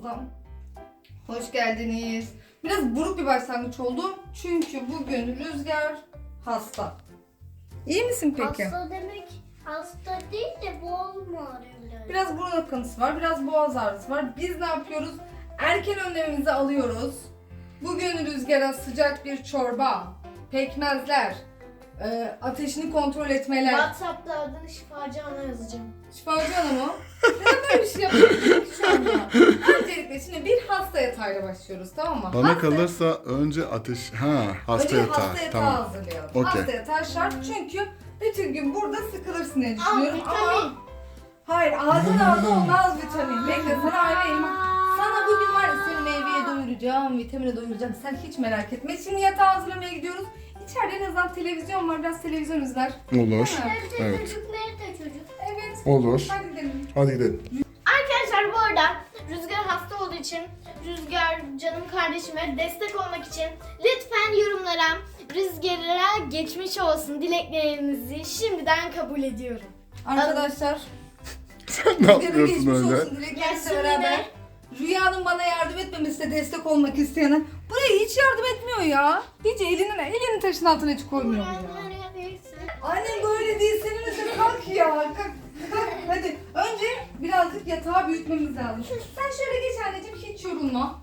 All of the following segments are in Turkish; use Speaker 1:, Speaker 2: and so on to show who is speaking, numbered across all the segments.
Speaker 1: kanalımıza hoş geldiniz. Biraz buruk bir başlangıç oldu. Çünkü bugün Rüzgar hasta. İyi misin peki?
Speaker 2: Hasta demek hasta değil de boğaz mı ağrıyor?
Speaker 1: Biraz burun akıntısı var, biraz boğaz ağrısı var. Biz ne yapıyoruz? Erken önlemimizi alıyoruz. Bugün Rüzgar'a sıcak bir çorba, pekmezler, ateşini kontrol etmeler.
Speaker 2: WhatsApp'ta adını Şifacı Ana yazacağım.
Speaker 1: Şifacı Hanım o. Neden böyle bir şey yapıyorsun ki şu anda? Öncelikle şimdi bir hasta yatağıyla başlıyoruz, tamam mı?
Speaker 3: Bana kalırsa önce hasta
Speaker 1: Önce
Speaker 3: yatağı.
Speaker 1: hasta yatağı
Speaker 3: Tamam.
Speaker 1: hazırlayalım.
Speaker 3: Okey.
Speaker 1: Hasta yatağı şart çünkü bütün gün burada sıkılırsın diye düşünüyorum
Speaker 2: vitamin.
Speaker 1: ama... Hayır, ağzın olmaz vitamin. Bekle, sana ayrı elma. Sana bugün var ya, seni meyveye doyuracağım, vitamine doyuracağım. Sen hiç merak etme. Şimdi yatağı hazırlamaya gidiyoruz. İçeride en azından televizyon var, biraz televizyon izler.
Speaker 3: Olur.
Speaker 1: Ha.
Speaker 3: Evet.
Speaker 2: Nerede çocuk?
Speaker 1: Evet.
Speaker 3: Olur.
Speaker 1: Hadi gidelim.
Speaker 3: Hadi gidelim.
Speaker 2: Arkadaşlar bu arada Rüzgar hasta olduğu için, Rüzgar canım kardeşime destek olmak için lütfen yorumlara Rüzgar'a geçmiş olsun dileklerinizi şimdiden kabul ediyorum.
Speaker 1: Arkadaşlar,
Speaker 3: Sen ne
Speaker 1: Rüzgar'a
Speaker 3: yapıyorsun
Speaker 1: geçmiş
Speaker 3: öyle?
Speaker 1: olsun dileklerimizle
Speaker 2: Gelsin
Speaker 1: beraber.
Speaker 2: yine.
Speaker 1: Rüya'nın bana yardım etmemesine destek olmak isteyene. Buraya hiç yardım etmiyor ya. Hiç elini taşın altına hiç koymuyor bu ya. Annem böyle değil, senin de kalk ya. Kalk. Hadi önce birazcık yatağı büyütmemiz lazım. Sen şöyle geç anneciğim, hiç yorulma.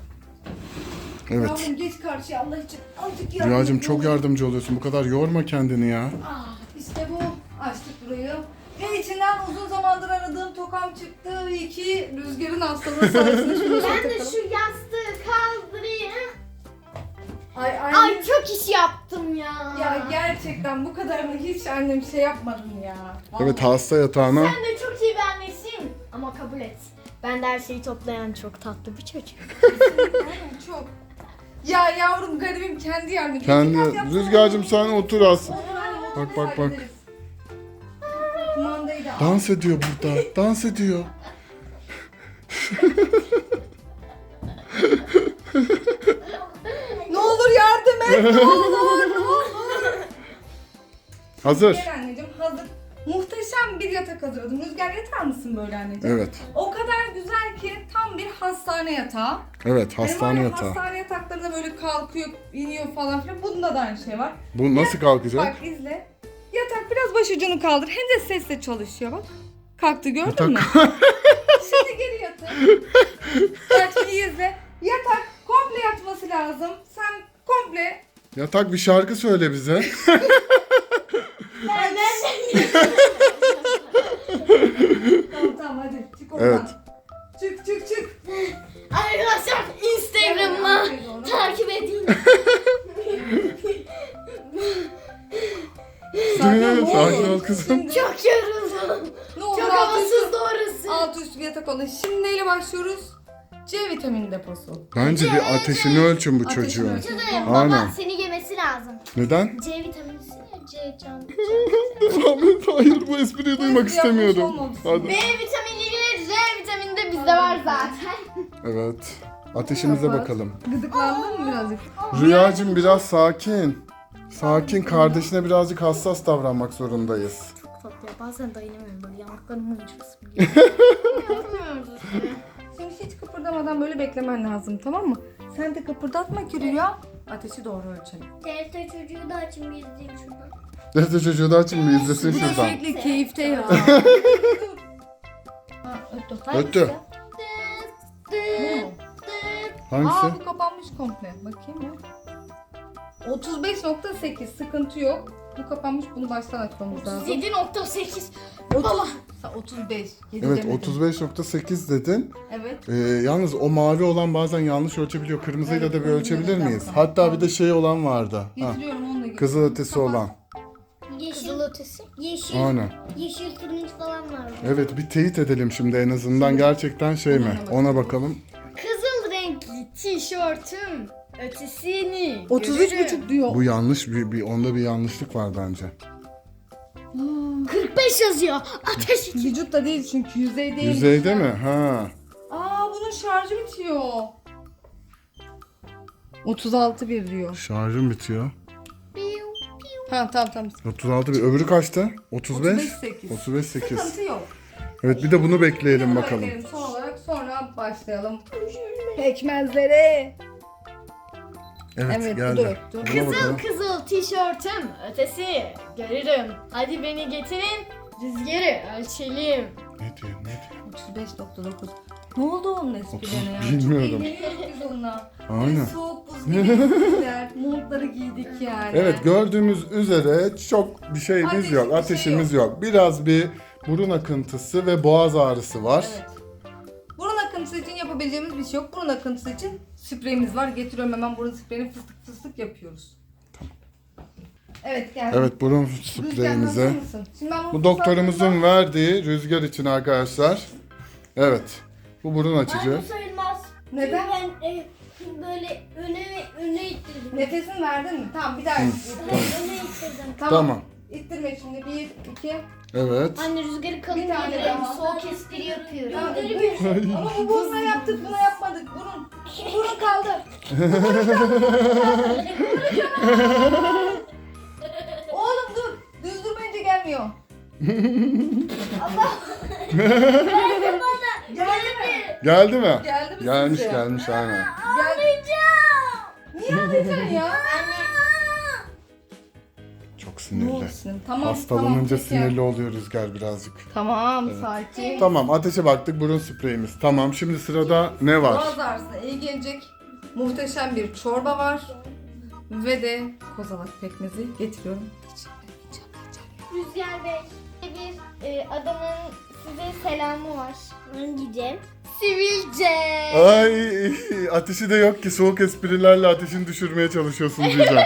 Speaker 3: Evet.
Speaker 1: Yavrum geç karşıya Allah için. Azıcık yardım
Speaker 3: Rüyacığım
Speaker 1: et,
Speaker 3: çok
Speaker 1: ne olur.
Speaker 3: yardımcı oluyorsun. Bu kadar yorma kendini ya.
Speaker 1: İşte bu. Açtık burayı. Ve içinden uzun zamandır aradığım tokam çıktı. İyi ki Rüzgar'ın hastalığı sayesinde şunu
Speaker 2: Ben de
Speaker 1: takalım.
Speaker 2: şu yastığı kaldırayım.
Speaker 1: Ay
Speaker 2: Ay çok iş yaptım ya.
Speaker 1: ya gerçekten bu kadarını hiç annem şey yapmadın ya.
Speaker 3: Evet, hasta yatağına.
Speaker 2: Sen de çok iyi bir annesin. Ama kabul et. Ben de her şeyi toplayan çok tatlı bir çocuk.
Speaker 1: Aynen, çok. Ya yavrum garibim kendi yardım.
Speaker 3: Kendi. Rüzgar'cığım sen otur az. Bak, bak, bak.
Speaker 1: Kumandayı da al.
Speaker 3: Dans ediyor burada. Dans ediyor.
Speaker 1: Ne olur yardım et. Ne olur. Ne olur.
Speaker 3: Hazır.
Speaker 1: Gel anneciğim, hazır. Muhteşem bir yatak hazırladım. Rüzgar, yatar mısın böyle anneciğim?
Speaker 3: Evet.
Speaker 1: O kadar güzel ki tam bir hastane yatağı.
Speaker 3: Evet, hastane
Speaker 1: Hani var ya,
Speaker 3: yatağı.
Speaker 1: Hastane yataklarında böyle kalkıyor, iniyor falan filan. Bunda da aynı şey var.
Speaker 3: Bu nasıl kalkacak?
Speaker 1: Bak izle. Yatak biraz başucunu kaldır. Hem de sesle çalışıyor bak. Kalktı, gördün
Speaker 3: Yatak-
Speaker 1: mü? Şimdi geri yatır. Bak şimdi izle. Yatak komple yatması lazım. Sen komple...
Speaker 3: Yatak bir şarkı söyle bize.
Speaker 1: Tamam hadi çık oradan.
Speaker 3: Evet.
Speaker 1: Çık.
Speaker 2: Arkadaşlar Instagram'ıma takip edin.
Speaker 3: Sakin ol kızım.
Speaker 1: Şimdi,
Speaker 2: Çok yoruldum.
Speaker 1: ne olur
Speaker 2: Çok
Speaker 1: alt
Speaker 2: havasız
Speaker 1: üstü-
Speaker 2: doğrusu.
Speaker 1: alt üstü bir yatak oldu. Şimdi neyle başlıyoruz? C vitamini deposu.
Speaker 3: Bence bir ateşini ölçün bu
Speaker 1: Ateşini
Speaker 3: çocuğun.
Speaker 1: ölçün.
Speaker 2: Baba
Speaker 3: Aynen.
Speaker 2: seni yemesi lazım.
Speaker 3: Neden?
Speaker 2: C vitaminisin ya C can.
Speaker 3: Ahmet, hayır, bu espriyi duymak istemiyorum.
Speaker 1: olmadı.
Speaker 3: Hadi.
Speaker 2: B vitamini ile C vitamini de bizde var zaten.
Speaker 3: Evet. Ateşimize
Speaker 1: Kapat.
Speaker 3: bakalım.
Speaker 1: Gıdıklandın mı birazcık?
Speaker 3: Rüyacığım biraz sakin. Sakin, kardeşine birazcık hassas davranmak zorundayız.
Speaker 2: Çok tatlı ya, bazen dayanamıyorum böyle yanaklarımı uçursun geliyor.
Speaker 1: Şimdi hiç kıpırdamadan böyle beklemen lazım, tamam mı? Sen de kıpırdatma ki Rüya. Ateşi doğru ölçelim.
Speaker 2: Teyze çocuğu da açın bir izleyeyim şuradan.
Speaker 3: Neyse, çocuğu da açın bir izlesin
Speaker 1: Bu da
Speaker 3: şuradan.
Speaker 1: sürekli keyifte ya. Ha, öttü.
Speaker 3: Öttü.
Speaker 1: Bu mu?
Speaker 3: Hangisi?
Speaker 1: Aa, bu kapanmış komple. Bakayım ya. 35.8 sıkıntı yok. Bu kapanmış, bunu baştan açmamız lazım.
Speaker 2: 7.8.
Speaker 1: 35. 7
Speaker 3: Evet,
Speaker 1: demedim.
Speaker 3: 35.8 dedin.
Speaker 1: Evet.
Speaker 3: Yalnız o mavi olan bazen yanlış ölçebiliyor. Kırmızıyla
Speaker 1: Evet,
Speaker 3: da bir
Speaker 1: kırmızıyla
Speaker 3: ölçebilir
Speaker 1: da
Speaker 3: miyiz?
Speaker 1: yapalım.
Speaker 3: Hatta bir de şey olan vardı. Ha,
Speaker 1: Getiriyorum, onu da getiriyorum.
Speaker 3: kızıl ötesi
Speaker 1: Kapat.
Speaker 3: olan.
Speaker 2: Kızıl ötesi. Yeşil.
Speaker 3: Aynen.
Speaker 2: Yeşil turuncu falan var.
Speaker 3: Evet, bir teyit edelim şimdi en azından gerçekten şey mi? Ona bakalım.
Speaker 2: Kızıl renkli tişörtüm ötesini
Speaker 1: 33.5 diyor.
Speaker 3: Bu yanlış, onda bir yanlışlık var bence.
Speaker 2: 45 yazıyor. Ateş için.
Speaker 1: Vücutta değil çünkü, yüzey değil.
Speaker 3: Yüzeyde mi? Ha.
Speaker 1: Aa, bunun şarjı bitiyor. 36.1 diyor.
Speaker 3: Şarjım bitiyor.
Speaker 1: Ha tamam.
Speaker 3: 36 bir. Öbürü kaçtı? 35?
Speaker 1: 35.8.
Speaker 3: 35.8.
Speaker 1: Sıkıntı yok.
Speaker 3: Evet, bir de bunu bekleyelim
Speaker 1: Bunu
Speaker 3: bakalım.
Speaker 1: bekleyelim. Son olarak sonra başlayalım. Pekmezlere.
Speaker 3: Evet,
Speaker 1: dur,
Speaker 3: geldi.
Speaker 1: dur.
Speaker 3: Buna
Speaker 2: Kızıl
Speaker 3: bakalım.
Speaker 2: kızıl tişörtüm ötesi görürüm. Hadi beni getirin rüzgarı ölçelim.
Speaker 3: Ne diyor, ne diyor?
Speaker 1: 35.9. Ne oldu onun esprilerine ya?
Speaker 3: Bilmiyorum.
Speaker 1: Çok eğleniyoruz biz onunla.
Speaker 3: Aynen.
Speaker 1: Böyle soğuk buz gibi espriler. Montları giydik yani.
Speaker 3: Evet, gördüğümüz üzere çok bir şeyimiz
Speaker 1: Ateşli
Speaker 3: yok,
Speaker 1: bir şey
Speaker 3: ateşimiz yok. Biraz bir burun akıntısı ve boğaz ağrısı var.
Speaker 1: Evet. Burun akıntısı için yapabileceğimiz bir şey yok. Burun akıntısı için spreyimiz var. Getiriyorum hemen burun spreyini fıstık fıstık yapıyoruz. Evet geldi.
Speaker 3: Evet, burun
Speaker 1: Rüzgar, hazır
Speaker 3: spreyimize.
Speaker 1: mısın? Şimdi ben
Speaker 3: Bu doktorumuzun verdiği rüzgar için arkadaşlar. Evet. Bu burun açıcı.
Speaker 4: Bu sayılmaz.
Speaker 1: Neden?
Speaker 4: Ben böyle öne ittirdim.
Speaker 1: Nefesini verdin mi? Tamam bir daha ittir.
Speaker 4: Öne ittirdim.
Speaker 3: Tamam.
Speaker 1: İttirme şimdi. 1, 2.
Speaker 3: Evet.
Speaker 2: Anne rüzgarı kalın
Speaker 1: Bir tane
Speaker 2: indirelim.
Speaker 1: daha.
Speaker 2: Soğuk espri yapıyorum.
Speaker 1: Tamam, dur. Ama bu buna yaptık, buna yapmadık. Burun kaldı. Oğlum dur. Düz durmayınca gelmiyor. Allah. Geldi mi?
Speaker 3: Geldi mi?
Speaker 1: Geldi mi
Speaker 3: Gelmiş,
Speaker 1: sizce?
Speaker 3: gelmiş aynen.
Speaker 1: Niye ağlayacaksın ya?
Speaker 3: Çok
Speaker 1: Ne
Speaker 3: sinirli.
Speaker 1: oldu sinirli? Tamam.
Speaker 3: Hastalanınca
Speaker 1: peki.
Speaker 3: sinirli oluyor Rüzgar birazcık.
Speaker 1: Tamam, sakin.
Speaker 3: Tamam, ateşe baktık, burun spreyimiz. Tamam, şimdi sırada ne var?
Speaker 1: Boğaz ağrısına iyi gelecek muhteşem bir çorba var. Ve de kozalak pekmezi getiriyorum.
Speaker 2: Rüzgar Bey bir adamın size selamı var.
Speaker 4: Hangi
Speaker 2: Sivilce.
Speaker 3: Ay, ateşi de yok ki, soğuk esprilerle ateşini düşürmeye çalışıyorsun diyeceğim.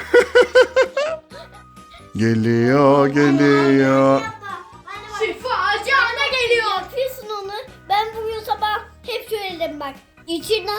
Speaker 3: Geliyor, geliyor.
Speaker 2: Şifacı ana geliyor.
Speaker 4: yapıyorsun onu? Ben bugün sabah hep söyledim bak. İçinden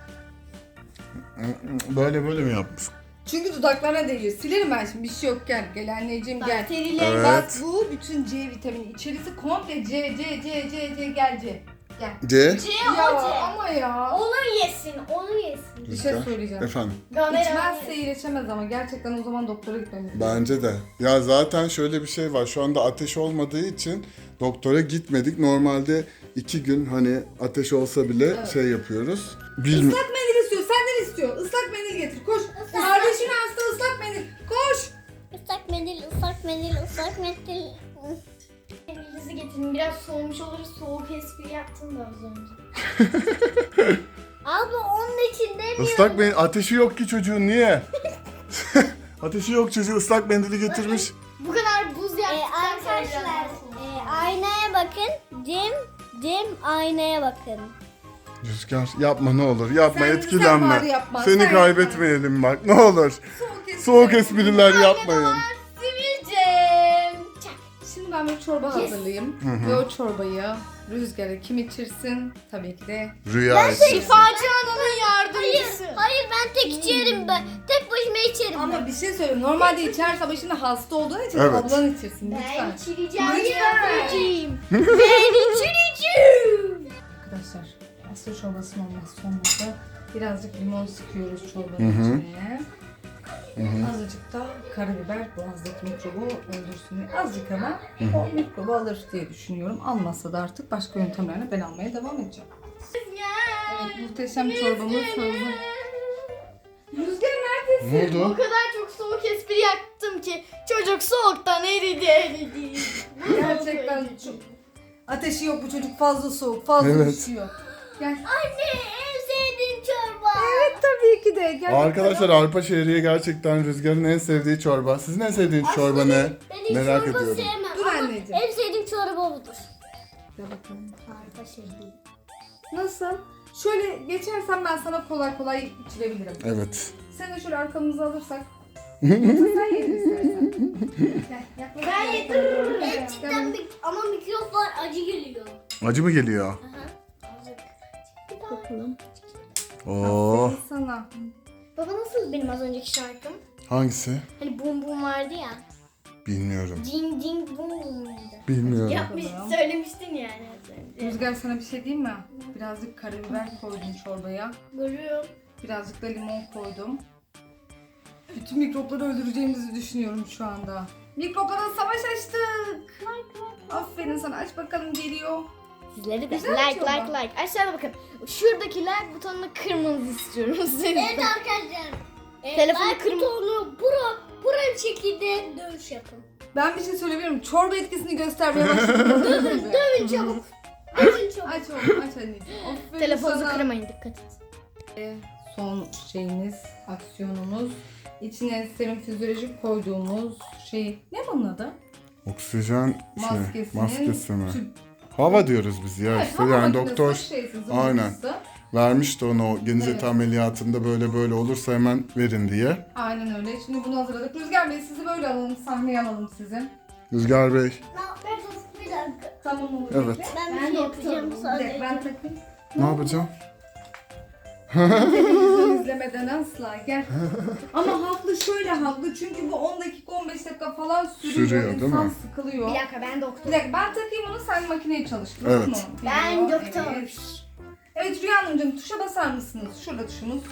Speaker 3: Böyle mi yapmış?
Speaker 1: Çünkü dudaklarına değiyor. Silerim ben şimdi, bir şey yok, gel. Gel anneciğim gel.
Speaker 2: Bakteriler.
Speaker 3: Evet.
Speaker 1: Bak bu bütün C vitamini. İçerisi komple C gel C. Gel.
Speaker 3: C.
Speaker 2: C
Speaker 1: Ya
Speaker 2: o C.
Speaker 1: ama ya.
Speaker 2: Onu yesin, onu yesin.
Speaker 1: Bir şey
Speaker 3: Rüzgar.
Speaker 1: söyleyeceğim.
Speaker 3: Efendim.
Speaker 1: İçmezse iyileşemez ama gerçekten o zaman doktora gitmemiz lazım.
Speaker 3: Bence de. Ya zaten şöyle bir şey var. Şu anda ateş olmadığı için doktora gitmedik. Normalde 2 gün hani ateş olsa bile şey yapıyoruz. Bilmiyorum.
Speaker 1: Islak mendil istiyor. Senden istiyor. Islak mendil getir. Koş. Kardeşin hasta, ıslak mendil. Koş.
Speaker 4: ıslak mendil, ıslak mendil, ıslak mendil.
Speaker 2: Elinizi getirin. Biraz soğumuş olur. Soğuk espri yaptım da az önce.
Speaker 4: Abla onun için demiyorum.
Speaker 3: Islak mendil ateşi yok ki çocuğun, niye? Ateşi yok çocuğu, ıslak mendili getirmiş.
Speaker 2: Bu kadar buz yaptıktan sonra
Speaker 4: Arkadaşlar
Speaker 2: biraz
Speaker 4: aynaya bakın. Cem aynaya bakın.
Speaker 3: Rüzgar yapma ne olur, yapma,
Speaker 1: Sen
Speaker 3: etkilenme.
Speaker 1: bari yapma,
Speaker 3: Seni
Speaker 1: sen
Speaker 3: kaybetmeyelim bak, ne olur.
Speaker 1: Soğuk
Speaker 3: Soğuk espriler yapmayın.
Speaker 2: Sivilcem. Çak.
Speaker 1: Şimdi ben bir çorba hazırlayayım. Ve o çorbayı Rüzgar'a kim içirsin? Tabii ki de.
Speaker 3: Rüya için.
Speaker 2: Şifacı ananın yardımcısı.
Speaker 4: Hayır ben tek içerim ben. Tek başıma içerim.
Speaker 1: Ama bir şey söyleyeyim. Normalde içerse ama şimdi hasta olduğun için
Speaker 3: Evet.
Speaker 1: ablan içirsin
Speaker 2: Ben
Speaker 1: lütfen.
Speaker 2: içireceğim.
Speaker 1: Lütfen.
Speaker 2: Yavrucuğum. Ben içireceğim.
Speaker 1: Arkadaşlar pasta çorbasının olmazsa olmazı birazcık limon sıkıyoruz çorbanın içine. Azıcık da karabiber boğazdaki mikrobu öldürsün. Azıcık ama o mikrobu alır diye düşünüyorum. Almazsa da artık başka yöntemlerle ben almaya devam edeceğim. Evet, muhteşem çorbamız hazır. Rüzgar neredesin?
Speaker 3: Ne
Speaker 2: O
Speaker 3: oldu?
Speaker 2: kadar çok soğuk espri yaptım ki çocuk soğuktan eridi.
Speaker 1: Gerçekten çok... Ateşi yok bu çocuk, fazla soğuk, fazla
Speaker 3: Evet.
Speaker 1: üşüyor. Gel.
Speaker 4: Anne en sevdiğim çorba.
Speaker 1: Evet tabii ki de. Gel
Speaker 3: Arkadaşlar
Speaker 1: bakalım.
Speaker 3: arpa şehriye gerçekten Rüzgar'ın en sevdiği çorba. Sizin en sevdiğiniz çorba ne?
Speaker 4: Ben hiç
Speaker 3: Merak
Speaker 4: çorba
Speaker 3: ediyorum.
Speaker 4: sevmem
Speaker 1: Dur
Speaker 4: ama
Speaker 1: anneciğim.
Speaker 4: en sevdiğim çorba budur.
Speaker 1: Gel bakalım.
Speaker 4: Harika şey değil.
Speaker 1: Nasıl? Şöyle geçersen ben sana kolay kolay içirebilirim.
Speaker 3: Evet.
Speaker 1: Sen de şöyle arkamızı alırsak. Yoksa sen ye istersen. Gel, yaklaş.
Speaker 2: Ben yedim.
Speaker 4: Ben cidden ama mikroplar acı geliyor.
Speaker 3: Acı mı geliyor?
Speaker 4: Aha. Azıcık.
Speaker 1: Bakalım.
Speaker 3: Oo.
Speaker 1: Aferin sana.
Speaker 2: Baba nasıl benim az önceki şarkım?
Speaker 3: Hangisi?
Speaker 2: Hani bum bum vardı ya.
Speaker 3: Bilmiyorum.
Speaker 2: Ding ding bum bum muydu?
Speaker 3: Bilmiyorum.
Speaker 2: Yapmış, söylemiştin yani az önce.
Speaker 1: Rüzgar sana bir şey diyeyim mi? Birazcık karabiber koydum çorbaya.
Speaker 2: Görüyorum.
Speaker 1: Birazcık da limon koydum. Bütün mikropları öldüreceğimizi düşünüyorum şu anda. Mikroplara savaş açtık. Aferin sana, aç bakalım, geliyor.
Speaker 2: Sizleri de
Speaker 1: Güzel
Speaker 2: like
Speaker 1: çorba.
Speaker 2: like like. Aşağıda bakın. Şuradaki like butonunu kırmanızı istiyorum sizin.
Speaker 4: Evet arkadaşlar.
Speaker 2: Telefonu
Speaker 4: like
Speaker 2: kırma-
Speaker 4: butonu bura bir şekilde dövüş yapın.
Speaker 1: Ben bir şey söyleyebilirim. Çorba etkisini göstermeye başladı.
Speaker 4: Dövün çabuk. Dövün çabuk.
Speaker 1: Aç oğlum aç anneciğim. Aferin
Speaker 2: Telefonunuzu
Speaker 1: sana.
Speaker 2: kırmayın, dikkat et.
Speaker 1: Son şeyimiz, aksiyonumuz. İçine serum fizyolojik koyduğumuz şey. Ne bunun adı?
Speaker 3: Oksijen
Speaker 1: Maskesinin
Speaker 3: maskesi mi?
Speaker 1: tüp-
Speaker 3: Hava diyoruz biz ya
Speaker 1: Evet,
Speaker 3: işte
Speaker 1: hava
Speaker 3: yani
Speaker 1: makinesi,
Speaker 3: doktor
Speaker 1: şeysi,
Speaker 3: aynen.
Speaker 1: zımbırtısı.
Speaker 3: vermişti onu o genizet
Speaker 1: Evet.
Speaker 3: ameliyatında böyle olursa hemen verin diye.
Speaker 1: Aynen öyle. Şimdi bunu hazırladık. Rüzgar Bey sizi böyle alalım, sahneye alalım sizi.
Speaker 3: Rüzgar Bey.
Speaker 4: Bir dakika.
Speaker 1: Tamam olur.
Speaker 3: Evet.
Speaker 1: bekle.
Speaker 4: Ben de yapacağım
Speaker 1: Bir dakika,
Speaker 4: sadece.
Speaker 1: ben takayım.
Speaker 3: Ne yapacağım?
Speaker 1: Televizyon izlemeden asla gel. Ama haklı, şöyle haklı çünkü bu 10 dakika 15 dakika falan sürüyor.
Speaker 3: Sürüyor, değil
Speaker 1: İnsan
Speaker 3: mi?
Speaker 1: sıkılıyor.
Speaker 2: Bir dakika, ben doktor.
Speaker 1: Bir dakika, ben takayım onu, sen makineyi çalıştır.
Speaker 3: Evet.
Speaker 1: olur mu?
Speaker 2: Ben
Speaker 1: Biliyor,
Speaker 2: doktor.
Speaker 1: Evet. Evet Rüya Hanımcığım, tuşa basar mısınız? Şurada tuşumuz.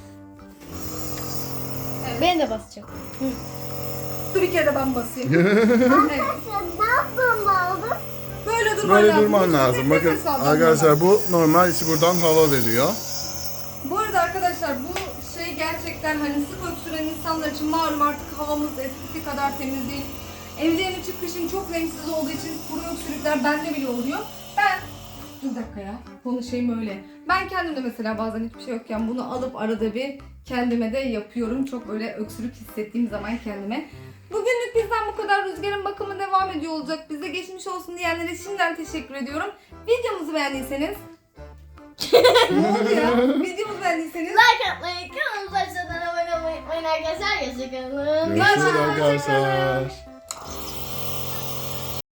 Speaker 2: Ben de basacağım.
Speaker 1: Dur bir kere de ben basayım. Evet.
Speaker 4: Ne yapmam lazım?
Speaker 1: Böyle durman
Speaker 3: Böyle
Speaker 1: lazım.
Speaker 3: durman
Speaker 1: Nefes
Speaker 3: lazım. Bakın
Speaker 1: alacaksın
Speaker 3: arkadaşlar bu normal içi buradan hava veriyor.
Speaker 1: Bu arada arkadaşlar bu şey gerçekten hani sık öksüren insanlar için malum artık havamız eskisi kadar temiz değil. Evlerin içi kışın çok renksiz olduğu için kuru öksürükler bende bile oluyor. Dur bir dakika ya, konuşayım öyle. Ben kendim de mesela bazen hiçbir şey yokken bunu alıp arada bir kendime de yapıyorum. Çok böyle öksürük hissettiğim zaman kendime. Bugünlük bizden bu kadar. Rüzgar'ın bakımı devam ediyor olacak. Bize geçmiş olsun diyenlere şimdiden teşekkür ediyorum. Videomuzu beğendiyseniz... Ne oldu ya? Videomuzu beğendiyseniz...
Speaker 2: Like atmayı, kanalımıza aşağıdan abone olmayı unutmayın arkadaşlar. Hoşçakalın.
Speaker 3: Görüşürüz arkadaşlar.